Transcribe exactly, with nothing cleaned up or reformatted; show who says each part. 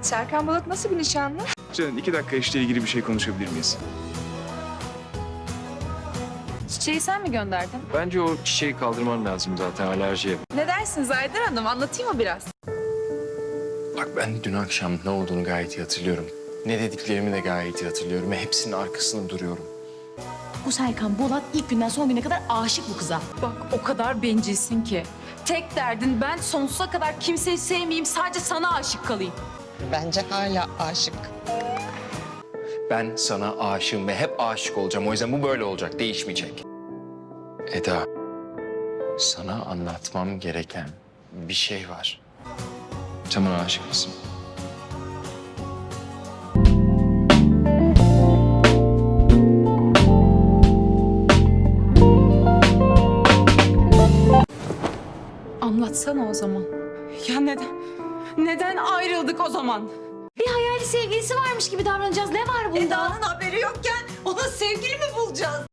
Speaker 1: Serkan Balat nasıl bir nişanlı?
Speaker 2: Canım iki dakika işle ilgili bir şey konuşabilir miyiz?
Speaker 1: Çiçeği sen mi gönderdin?
Speaker 3: Bence o çiçeği kaldırman lazım zaten alerjiye.
Speaker 1: Ne dersiniz Aydın Hanım? Anlatayım mı biraz?
Speaker 3: Bak ben dün akşam ne olduğunu gayet iyi hatırlıyorum. Ne dediklerimi de gayet iyi hatırlıyorum ve hepsinin arkasında duruyorum.
Speaker 4: Bu Serkan Bolat ilk günden son güne kadar aşık bu kıza.
Speaker 1: Bak o kadar bencilsin ki. Tek derdin ben sonsuza kadar kimseyi sevmeyeyim, sadece sana aşık kalayım.
Speaker 5: Bence hala aşık.
Speaker 3: Ben sana aşığım ve hep aşık olacağım. O yüzden bu böyle olacak, değişmeyecek. Eda, sana anlatmam gereken bir şey var. Sen bana aşık mısın?
Speaker 1: Anlatsana o zaman. Ya neden? Neden ayrıldık o zaman?
Speaker 4: Bir hayali sevgilisi varmış gibi davranacağız. Ne var bunda?
Speaker 5: Eda'nın haberi yokken ona sevgili mi bulacağız?